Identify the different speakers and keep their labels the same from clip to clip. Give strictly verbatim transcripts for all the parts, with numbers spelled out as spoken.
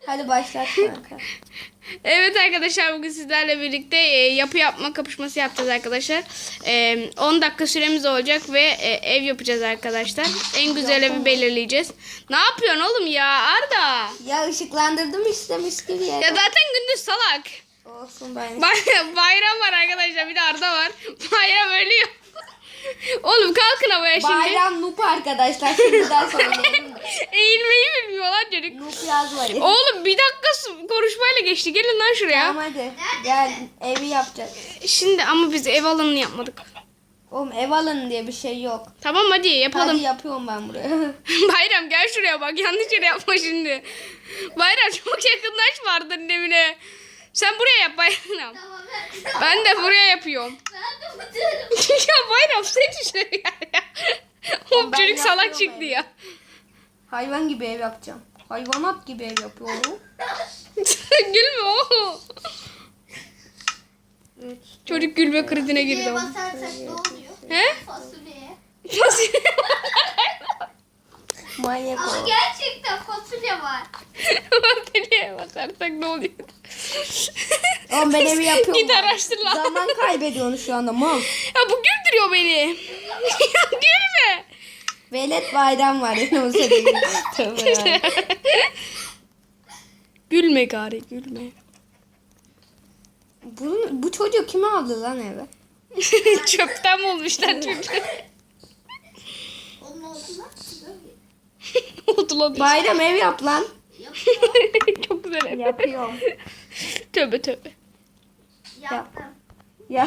Speaker 1: Hadi başlat kanka.
Speaker 2: Evet arkadaşlar, bugün sizlerle birlikte e, yapı yapma kapışması yapacağız arkadaşlar. E, on dakika süremiz olacak ve e, ev yapacağız arkadaşlar. En güzel evi belirleyeceğiz. Ne yapıyorsun oğlum ya Arda?
Speaker 1: Ya ışıklandırdım işte mis gibi ya.
Speaker 2: Ya zaten gündüz salak.
Speaker 1: Olsun ben.
Speaker 2: Bay- bayram var arkadaşlar, bir de Arda var. Bayram ölüyor. Oğlum kalkın havaya şimdi.
Speaker 1: Bayram noob arkadaşlar. Şimdiden söyleyelim.
Speaker 2: Eğilmeyi bilmiyor lan çocuk.
Speaker 1: Noob yazmayın.
Speaker 2: Oğlum bir dakika su- konuşmayla geçti. Gelin lan şuraya.
Speaker 1: Tamam hadi. Gel evi yapacağız.
Speaker 2: Şimdi ama biz ev alanını yapmadık.
Speaker 1: Oğlum ev alın diye bir şey yok.
Speaker 2: Tamam hadi yapalım.
Speaker 1: Hadi yapıyorum ben buraya.
Speaker 2: Bayram gel şuraya bak, yanlış yere yapma şimdi. Bayram çok yakınlaş Arda'nın evine. Sen buraya yap Bayram.
Speaker 3: Tamam
Speaker 2: Ben de buraya yapıyorum.
Speaker 3: ben de buradayım.
Speaker 2: Ya Bayram sen şuraya ya. Oğlum
Speaker 1: Ben
Speaker 2: çocuk salak
Speaker 1: yapıyorum
Speaker 2: çıktı
Speaker 1: evi.
Speaker 2: ya.
Speaker 1: Hayvan gibi ev yapacağım. Hayvanat gibi ev yapıyorum.
Speaker 2: Gülme o.
Speaker 1: Evet.
Speaker 2: Çocuk gülme krizine girdi.
Speaker 3: Neye
Speaker 2: ama.
Speaker 3: basarsak ne oluyor?
Speaker 2: He?
Speaker 3: Fasulyeye.
Speaker 1: Manyak
Speaker 3: Ama
Speaker 1: o.
Speaker 3: gerçekten fasulye var.
Speaker 2: Nereye basarsak ne oluyor?
Speaker 1: Oğlum ben evi yapıyorum.
Speaker 2: Git araştır lan.
Speaker 1: Zaman kaybediyorsun şu anda mal.
Speaker 2: Ya bu güldürüyor beni. Ya gülme.
Speaker 1: Velet bayram var. Yani o sebebi. Tövbe ya.
Speaker 2: Gülme gari gülme.
Speaker 1: Bu, bu çocuk kime aldı lan eve?
Speaker 2: Çöpten bulmuşlar çocuğu.
Speaker 3: Onun oldu lan.
Speaker 2: Oldu lan.
Speaker 1: Bayram ev yap lan.
Speaker 2: Çok güzel ev.
Speaker 1: Yapıyorum.
Speaker 2: Tövbe tövbe.
Speaker 3: Yaptım.
Speaker 1: Yap.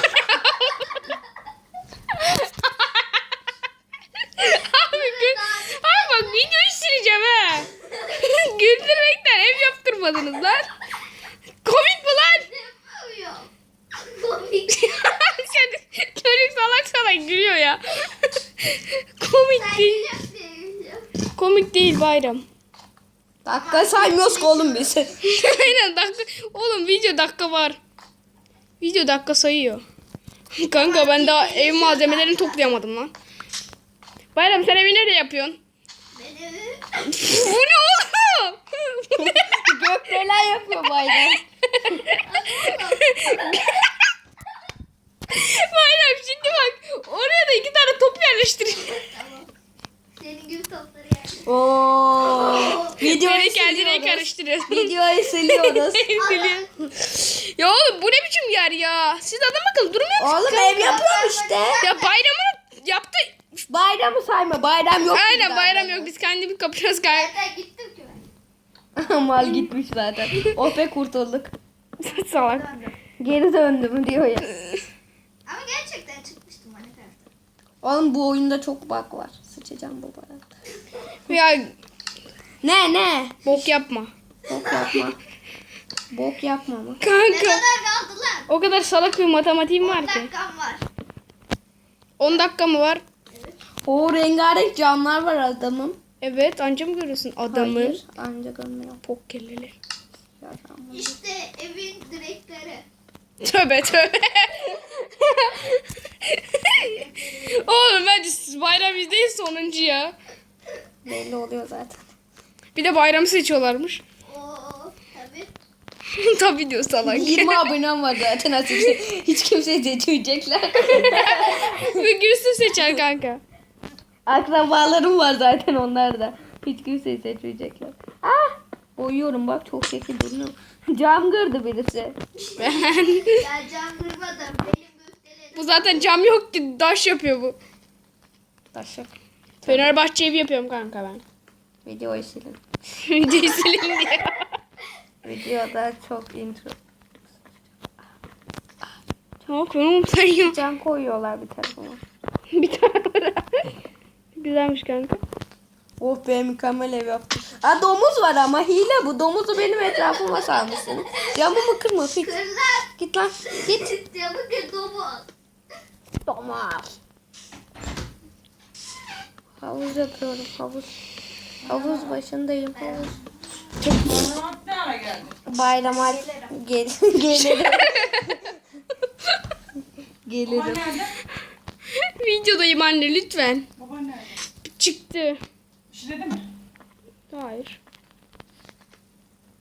Speaker 2: Abi gül. Abi bak videoyu sileceğim ha. Güldürmekten ev yaptırmadınız lan. Komik mi lan?
Speaker 3: Ne yapıyor? Komik.
Speaker 2: Sen- Çocuk salak salak gülüyor ya. Komik
Speaker 3: Sen
Speaker 2: değil.
Speaker 3: gülüyorsun.
Speaker 2: Komik değil Bayram.
Speaker 1: Dakika saymıyoruz ki oğlum biz.
Speaker 2: Aynen dakika. Oğlum video dakika var. Video dakika sayıyor. Kanka ben daha ev malzemelerini toplayamadım lan. Bayram sen evi nerede yapıyorsun?
Speaker 3: Beni
Speaker 2: Bu ne oğlum? Bu ne?
Speaker 1: Gökdeler yapıyor bayram.
Speaker 2: Bayram şimdi bak. Oraya da iki tane top yerleştireyim.
Speaker 3: Tamam. Senin gibi topları yani.
Speaker 1: Oo. Videoyu
Speaker 2: Beni kendine
Speaker 1: siliyoruz.
Speaker 2: karıştırıyorsun.
Speaker 1: Videoyu siliyoruz.
Speaker 2: Siliyorum. Ya oğlum bu ne biçim yer ya? Siz adam akıllı durmuyor musunuz?
Speaker 1: Oğlum ev yapıyorum işte.
Speaker 2: Ya bayramını yaptı.
Speaker 1: Bayramı sayma. Bayram yok.
Speaker 2: Aynen
Speaker 1: bizde.
Speaker 2: bayram yok. Biz kendimiz kapışıyoruz kanka.
Speaker 3: Nereden gittim ki ben?
Speaker 1: Mal gitmiş zaten. Oh be kurtulduk.
Speaker 2: Salak.
Speaker 1: Geri döndüm diyor ya.
Speaker 3: Ama gerçekten çıkmıştım Minecraft'ta.
Speaker 1: Oğlum bu oyunda çok bug var. Sıçacağım bu bana.
Speaker 2: Ya
Speaker 1: Ne ne?
Speaker 2: bok yapma.
Speaker 1: Bok yapma. Bok yapma mı?
Speaker 3: Ne
Speaker 2: Kanka.
Speaker 3: kadar kaldı lan?
Speaker 2: O kadar salak bir matematiğim
Speaker 3: on
Speaker 2: var ki.
Speaker 3: dakikam var.
Speaker 2: on dakika mı var?
Speaker 1: O rengarenk camlar var adamın.
Speaker 2: Evet, anca mı görüyorsun adamı?
Speaker 1: Hayır, ancak görmüyorum.
Speaker 2: Pok kelleler.
Speaker 3: İşte evin direkleri.
Speaker 2: Tövbe tövbe. Oğlum bence siz bayram bizdeyiz sonuncu ya.
Speaker 1: Belli oluyor zaten.
Speaker 2: Bir de bayramı seçiyorlarmış.
Speaker 3: Oo tabii.
Speaker 2: Tabii diyor salak.
Speaker 1: yirmi abonem var zaten açık. Hiç kimse seçmeyecekler.
Speaker 2: Ve Gülsüm seçer kanka.
Speaker 1: Akrabalarım var zaten onlar da. Hiç kimseyi seçmeyecekler. Ah! Uyuyorum bak çok şekil duruyor. Cam kırdı birisi.
Speaker 2: Ben.
Speaker 3: Ya can kırmadım. Benim gösterilerim.
Speaker 2: Bu zaten cam yok ki, taş yapıyor bu.
Speaker 1: Taşak.
Speaker 2: Fenerbahçe evi yapıyorum kanka ben.
Speaker 1: Videoyu silin.
Speaker 2: Videoyu sileyim diye.
Speaker 1: Videoda çok intro.
Speaker 2: Tamam oğlum sen ya.
Speaker 1: Cam koyuyorlar bir telefona.
Speaker 2: Bir tane var. Güzelmiş kanka.
Speaker 1: Oh be mükemmel ev yaptım. Aa domuz var ama hile bu. Domuzu benim etrafıma sarmışsın. Camımı kırma git.
Speaker 3: Kır lan.
Speaker 1: Git lan. Git.
Speaker 3: Camı kır domuz.
Speaker 1: Domuz. Havuz yapıyorum havuz. Havuz başındayım havuz. Bayrama gel gelirim. Gelirim.
Speaker 2: Videodayım anne lütfen.
Speaker 4: Baban nerede?
Speaker 2: Çıktı.
Speaker 4: İşledi mi?
Speaker 2: Hayır.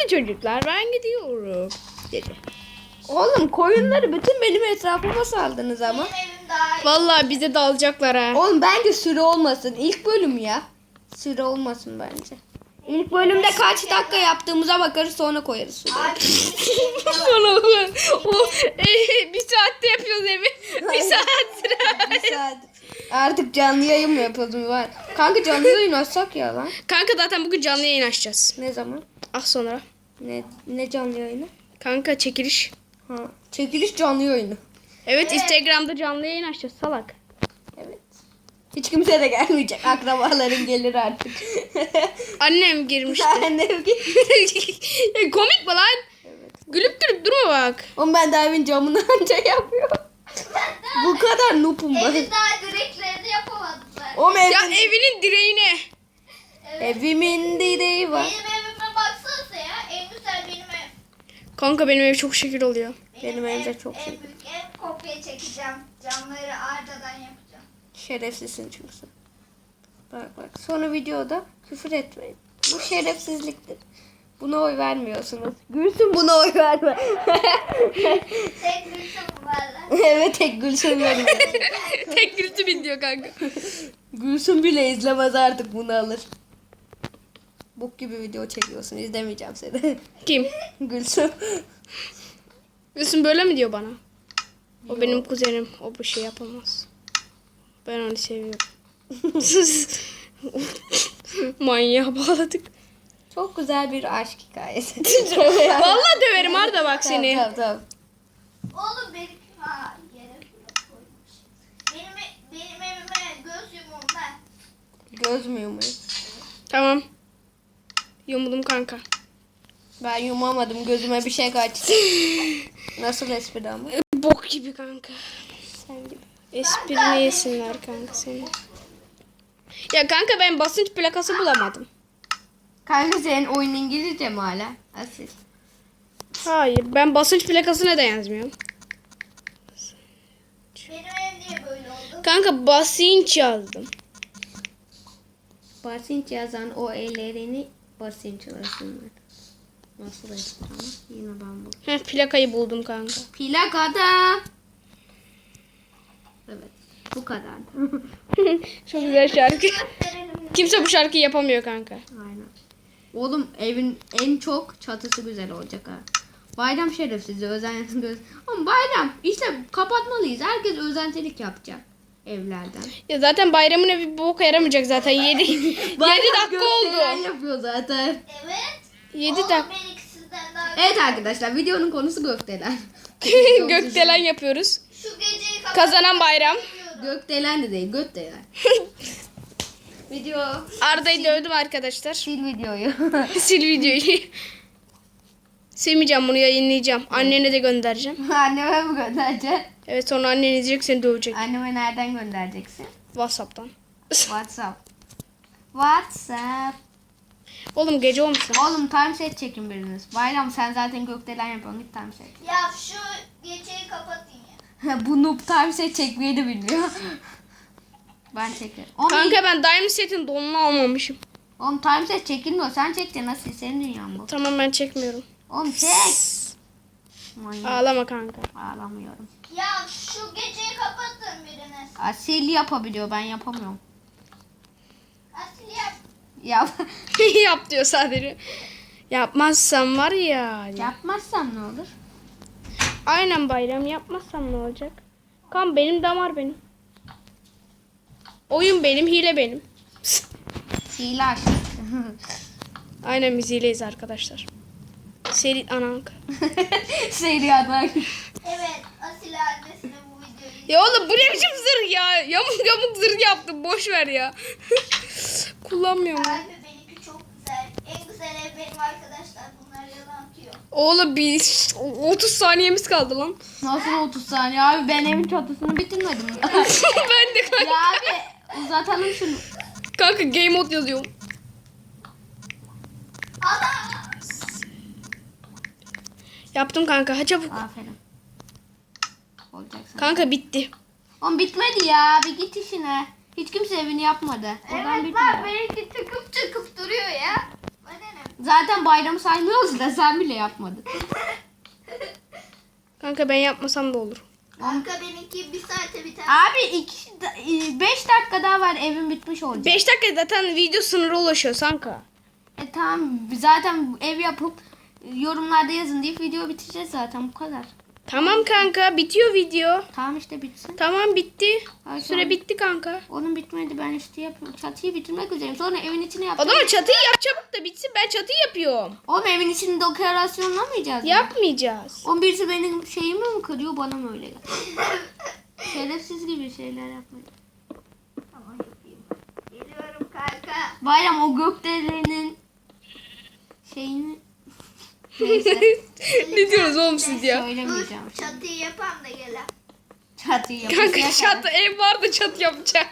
Speaker 2: Hadi çocuklar ben gidiyorum dedi.
Speaker 1: Oğlum koyunları bütün benim etrafıma saldınız ama.
Speaker 3: Benim evim daha iyi.
Speaker 2: Vallahi bize dalacaklar ha.
Speaker 1: Oğlum bence süre olmasın. İlk bölüm ya. Süre olmasın bence. İlk bölümde kaç dakika yaptığımıza bakarız sonra koyarız süre.
Speaker 3: Abi,
Speaker 2: Sonra o e, bir saatte yapıyoruz evi. Bir saattir.
Speaker 1: Bir saat. Artık canlı yayın mı yapalım var? Kanka canlı yayın açsak ya lan.
Speaker 2: Kanka zaten bugün canlı yayın açacağız.
Speaker 1: Ne zaman?
Speaker 2: Az sonra.
Speaker 1: Ne ne canlı yayını?
Speaker 2: Kanka çekiliş.
Speaker 1: Ha. Çekiliş canlı yayını.
Speaker 2: Evet Instagram'da canlı yayın açacağız salak.
Speaker 1: Evet. Hiç kimse de gelmeyecek. Akrabaların gelir artık.
Speaker 2: Annem girmişti.
Speaker 1: Annem git.
Speaker 2: Komik mi lan? Gülüp gülüp durma bak.
Speaker 1: Oğlum ben daha evin camını anca yapıyorum. Bu kadar noobum ben.
Speaker 3: evin daha direklerini yapamadılar.
Speaker 1: Oğlum evin,
Speaker 2: Ya evinin direğine.
Speaker 1: evimin direği var.
Speaker 3: Benim evime baksanıza ya. En güzel benim ev.
Speaker 2: Kanka benim ev çok şekil oluyor.
Speaker 1: Benim evde
Speaker 3: ev-
Speaker 1: çok
Speaker 3: en
Speaker 1: şey.
Speaker 3: büyük ev, kopya çekeceğim. Camları ardadan yapacağım.
Speaker 1: Şerefsizsin çünkü sen. Bak bak. Sonra videoda küfür etmeyin. Bu şerefsizliktir. Buna oy vermiyorsunuz. Gülsün buna oy verme.
Speaker 3: Tek gülsüm varlar.
Speaker 1: Evet tek Gülsün benim.
Speaker 2: Tek gürültü bin diyor kanka.
Speaker 1: Gülsün bile izlemez artık bunu alır. Bok gibi video çekiyorsun. İzlemeyeceğim seni.
Speaker 2: Kim?
Speaker 1: Gülsün.
Speaker 2: Gülsün böyle mi diyor bana? O benim kuzenim. O bu şey yapamaz. Ben onu seviyorum. Manyağa bağladık.
Speaker 1: Çok güzel bir aşk hikayesi.
Speaker 2: Vallahi döverim Arda bak seni.
Speaker 1: Tamam tamam.
Speaker 3: Oğlum benim ha yere koymuş. Benim benim evime göz yumumda.
Speaker 1: Göz mü yumayım?
Speaker 2: Tamam. Yumudum kanka.
Speaker 1: Ben yumamadım. Gözüme bir şey kaçtı. Nasıl espri ama?
Speaker 2: Bok gibi kanka.
Speaker 1: Sen gibi.
Speaker 2: Esprini yesinler kanka seni. Ya kanka ben basınç plakası bulamadım.
Speaker 1: Kanka senin oyun İngilizce mi hala? Asil.
Speaker 2: Hayır ben basınç plakasına da yazmıyorum.
Speaker 3: Benim ev niye böyle oldu?
Speaker 2: Kanka basınç yazdım.
Speaker 1: Basınç yazan o ellerini basınçlasınlar. Nasıl espri ama? Yine ben bu.
Speaker 2: Heh, plakayı buldum kanka.
Speaker 1: Plakada. Evet. Bu kadar.
Speaker 2: Çok güzel şarkı.
Speaker 3: Gösterelim.
Speaker 2: Kimse bu şarkıyı yapamıyor kanka.
Speaker 1: Aynen. Oğlum evin en çok çatısı güzel olacak ha. Bayram şerefsizi özen göz. Ama bayram işte kapatmalıyız. Herkes özentilik yapacak evlerden.
Speaker 2: Ya zaten bayramın evi bir boka yaramayacak zaten. yedi yedi dakika
Speaker 1: gösteren
Speaker 2: oldu.
Speaker 1: yapıyor zaten.
Speaker 3: Evet.
Speaker 2: yedi
Speaker 3: Oğlum
Speaker 2: dakika.
Speaker 3: benimki sizden daha
Speaker 1: Evet arkadaşlar videonun konusu gökdelen.
Speaker 2: Gökdelen yapıyoruz.
Speaker 3: Şu geceyi kapat.
Speaker 2: Kazanan bayram.
Speaker 1: Gökdelen de değil gökdelen. Video.
Speaker 2: Arda'yı dövdüm arkadaşlar.
Speaker 1: Sil videoyu.
Speaker 2: Sil videoyu. Silmeyeceğim bunu yayınlayacağım. Annene de göndereceğim.
Speaker 1: Anneme mi göndereceksin?
Speaker 2: Evet sonra annen izleyecek seni dövecek.
Speaker 1: Anneme nereden göndereceksin?
Speaker 2: Whatsapp'tan.
Speaker 1: WhatsApp. WhatsApp.
Speaker 2: Oğlum gece olmuşsun.
Speaker 1: Oğlum time set çekin biriniz. Bayram sen zaten gökdelen yapıyorsun git time set.
Speaker 3: Ya şu geceyi kapatın ya.
Speaker 1: Bu noob time set çekmeyi de bilmiyor. Ben çekerim. Oğlum,
Speaker 2: Kanka ben Diamond Set'in donunu almamışım.
Speaker 1: oğlum time set çekilmiyor. Sen çekeceksin nasıl? Senin dünyan bu.
Speaker 2: Tamam ben çekmiyorum.
Speaker 1: Oğlum çek. Manyak.
Speaker 2: Ağlama kanka.
Speaker 1: Ağlamıyorum.
Speaker 3: Ya şu geceyi kapatın biriniz.
Speaker 1: Asil yapabiliyor ben yapamıyorum.
Speaker 3: Asil yap.
Speaker 1: Yap.
Speaker 2: Yap diyor sadece. Yapmazsam var ya.
Speaker 1: Yapmazsam ne olur?
Speaker 2: Aynen bayram yapmazsam ne olacak? Kan benim damar benim. Oyun benim, hile benim.
Speaker 1: Hile aç.
Speaker 2: Aynen biz hileyiz arkadaşlar. Seri anank.
Speaker 1: Seri adak.
Speaker 3: Evet Asil annesine bu videoyu.
Speaker 2: Ya oğlum bu ne biçim zırh ya? Yamuk yamuk zırh yaptım. Boş ver ya. Kullanmıyorum.
Speaker 3: Abi benimki çok güzel. En güzel ev benim arkadaşlar. Bunlar yalan atıyor.
Speaker 2: Oğlum bir otuz saniyemiz kaldı lan.
Speaker 1: Nasıl otuz saniye abi ben evin çatısını bitirmedim.
Speaker 2: Ben de kanka.
Speaker 1: Ya abi uzatalım şunu.
Speaker 2: Kanka game mode yazıyorum.
Speaker 3: Allah!
Speaker 2: Yaptım kanka. Ha çabuk.
Speaker 1: Aferin. Olacaksın.
Speaker 2: Kanka bitti.
Speaker 1: Oğlum bitmedi ya bir git işine. Hiç kimse evini yapmadı. Oradan
Speaker 3: Evet
Speaker 1: bitmedi.
Speaker 3: bak benimki çıkıp çıkıp duruyor ya. Bana ne?
Speaker 1: Zaten bayramı saymıyoruz da sen bile yapmadın.
Speaker 2: Kanka ben yapmasam da olur.
Speaker 3: Kanka benimki bir saate biter.
Speaker 1: Abi iki, beş dakika daha var evin bitmiş olacak.
Speaker 2: beş dakika zaten video sınırı ulaşıyor kanka.
Speaker 1: E tamam zaten ev yapıp yorumlarda yazın deyip video bitireceğiz zaten bu kadar.
Speaker 2: Tamam kanka bitiyor video.
Speaker 1: Tamam işte bitsin.
Speaker 2: Tamam bitti.
Speaker 1: Ay,
Speaker 2: Süre
Speaker 1: tamam.
Speaker 2: bitti kanka.
Speaker 1: Onun bitmedi ben işte yapıyorum. Çatıyı bitirmek üzereyim. Sonra evin içini
Speaker 2: O
Speaker 1: yapacağım.
Speaker 2: zaman çatıyı yap çabuk da bitsin. Ben çatıyı yapıyorum.
Speaker 1: Oğlum evin içini dekorasyonlamayacağız mı?
Speaker 2: Yapmayacağız.
Speaker 1: On birisi benim şeyimi mi kırıyor bana mı öyle geliyor? Şerefsiz gibi şeyler yapmayın.
Speaker 3: Tamam yapayım. Geliyorum kanka.
Speaker 1: Bayram o gökdelenin şeyini neyse
Speaker 2: Ne diyorsunuz oğlum siz ya?
Speaker 3: Dur
Speaker 1: söylemeyeceğim.
Speaker 3: çatıyı yapan da gelen.
Speaker 1: Çatıyı yapacağız.
Speaker 2: Kanka çatı ev var da çatı yapacak.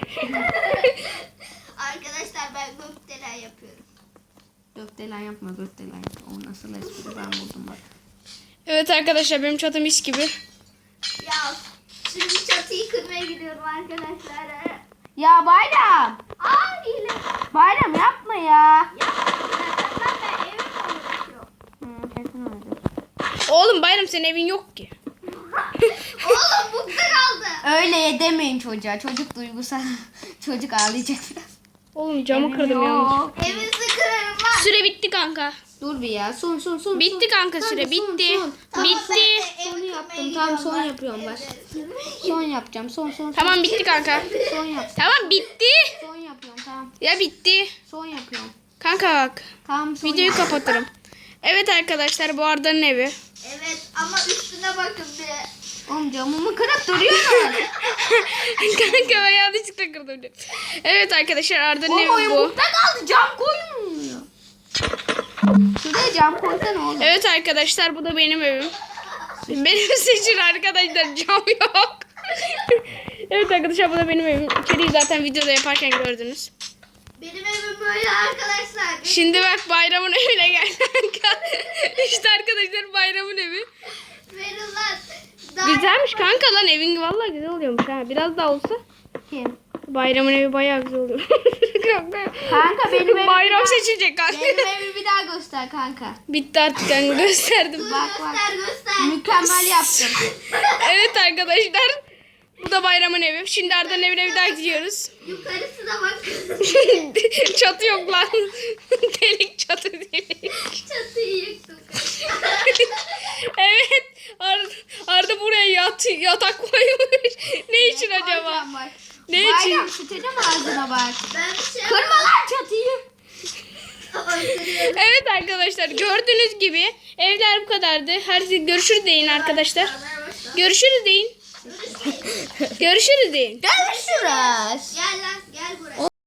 Speaker 3: Arkadaşlar ben gökdelen yapıyorum.
Speaker 1: Gökdelen yapma gökdelen yapma. O nasıl espri ben buldum bak.
Speaker 2: Evet arkadaşlar benim çatım mis gibi.
Speaker 3: Ya şimdi çatıyı kırmaya gidiyorum arkadaşlar.
Speaker 1: Ya Bayram.
Speaker 3: Aa hile.
Speaker 1: Bayram yapma ya.
Speaker 3: Yapmadım zaten ben evim konuşuyorum.
Speaker 1: Hı, kesin öyle.
Speaker 2: Oğlum Bayram senin evin yok ki.
Speaker 3: Oğlum bukta kaldı.
Speaker 1: Öyle demeyin çocuğa. Çocuk duygusal. Çocuk ağlayacak biraz.
Speaker 2: Oğlum camı
Speaker 1: Evim
Speaker 2: kırdım yanlış.
Speaker 1: yok.
Speaker 3: Evinizi kırarım lan.
Speaker 2: Süre bitti kanka.
Speaker 1: Dur bir ya. Son son son.
Speaker 2: Bitti
Speaker 1: son.
Speaker 2: kanka süre
Speaker 1: son,
Speaker 2: bitti.
Speaker 1: son.
Speaker 3: Tamam, ben
Speaker 2: Bitti.
Speaker 3: de evi
Speaker 1: Sonu
Speaker 3: kırmaya
Speaker 1: yaptım.
Speaker 3: gidiyorum
Speaker 1: Tamam, son
Speaker 3: bak.
Speaker 1: yapıyorum bak.
Speaker 3: Evde-
Speaker 1: Son yapacağım. Son son son.
Speaker 2: Tamam bitti kanka.
Speaker 1: Son yapacağım.
Speaker 2: Tamam bitti.
Speaker 1: Son yapıyorum tamam.
Speaker 2: Ya bitti.
Speaker 1: Son yapıyorum.
Speaker 2: Kanka bak.
Speaker 1: Tamam son
Speaker 2: Videoyu
Speaker 1: yap-
Speaker 2: kapatırım. Evet arkadaşlar bu Arda'nın evi.
Speaker 3: Evet ama üstüne bakın bir.
Speaker 1: Oğlum camımı kırıp duruyorsun.
Speaker 2: Kanka ben yanlışlıkla kırdım. Evet arkadaşlar Arda'nın
Speaker 1: Oğlum
Speaker 2: evi
Speaker 1: oyun
Speaker 2: bu.
Speaker 1: bukta kaldı. Cam koyulmuyor. Şuraya cam koysana oğlum.
Speaker 2: Evet arkadaşlar bu da benim evim. Benim seçin arkadaşlar cam yok. Evet arkadaşlar bu da benim evim. İçeriği zaten videoda yaparken gördünüz.
Speaker 3: Benim evim böyle arkadaşlar.
Speaker 2: Şimdi bak bayramın evine gel kanka. İşte arkadaşlar bayramın evi.
Speaker 3: Verin lan. Daha-
Speaker 2: Güzelmiş kanka lan evin vallahi güzel oluyormuş ha. Biraz daha olsa
Speaker 1: Kim?
Speaker 2: bayramın evi bayağı güzel oluyor. Kanka,
Speaker 1: Kanka benim evim
Speaker 2: Bayram
Speaker 1: bir daha-
Speaker 2: seçecek kanka.
Speaker 1: Benim evimi bir daha göster kanka.
Speaker 2: Bitti artık kanka gösterdim.
Speaker 3: Dur,
Speaker 1: Bak, bak.
Speaker 3: göster göster.
Speaker 1: Mükemmel yaptım.
Speaker 2: Evet arkadaşlar. Bu da bayramın evi. Şimdi Arda'nın evine bir daha gidiyoruz.
Speaker 3: Yukarısına bak.
Speaker 2: Çatı yok lan. Delik çatı delik.
Speaker 3: Çatıyı yıktım.
Speaker 2: Evet. Arda, Arda buraya yat, yatak koymuş. Ne için acaba?
Speaker 1: Koyacağım bak.
Speaker 2: Ne
Speaker 1: Bayram
Speaker 2: için?
Speaker 1: sıçacağım ağzına bak.
Speaker 3: Ben bir şey
Speaker 1: Kırma lan çatıyı.
Speaker 3: yapamadım.
Speaker 2: Evet arkadaşlar gördüğünüz gibi evler bu kadardı. Her şey görüşürüz deyin arkadaşlar. Görüşürüz deyin. Görüşürüz deyin.
Speaker 1: Görüşürüz.
Speaker 3: Gel lan gel buraya.